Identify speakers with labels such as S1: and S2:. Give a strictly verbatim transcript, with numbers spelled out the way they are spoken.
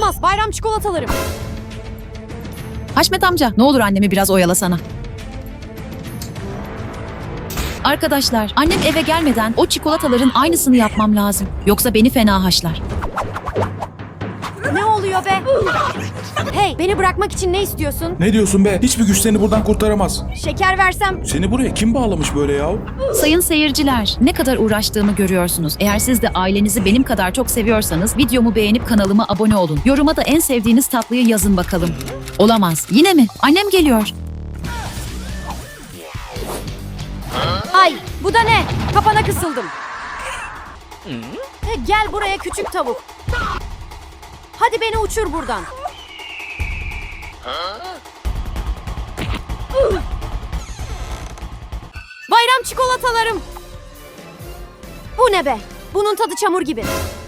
S1: Olamaz. Bayram çikolatalarım.
S2: Haşmet amca, ne olur annemi biraz oyalasana. Arkadaşlar, annem eve gelmeden o çikolataların aynısını yapmam lazım. Yoksa beni fena haşlar.
S1: Ne oluyor be? Hey, beni bırakmak için ne istiyorsun?
S3: Ne diyorsun be? Hiçbir güç seni buradan kurtaramaz.
S1: Şeker versem?
S3: Seni buraya kim bağlamış böyle yahu?
S2: Sayın seyirciler, ne kadar uğraştığımı görüyorsunuz. Eğer siz de ailenizi benim kadar çok seviyorsanız videomu beğenip kanalıma abone olun. Yoruma da en sevdiğiniz tatlıyı yazın bakalım. Olamaz. Yine mi? Annem geliyor.
S1: Ay, bu da ne? Kapana kısıldım. E, Gel buraya küçük tavuk. Hadi beni uçur buradan. Bayram çikolatalarım. Bu ne be? Bunun tadı çamur gibi.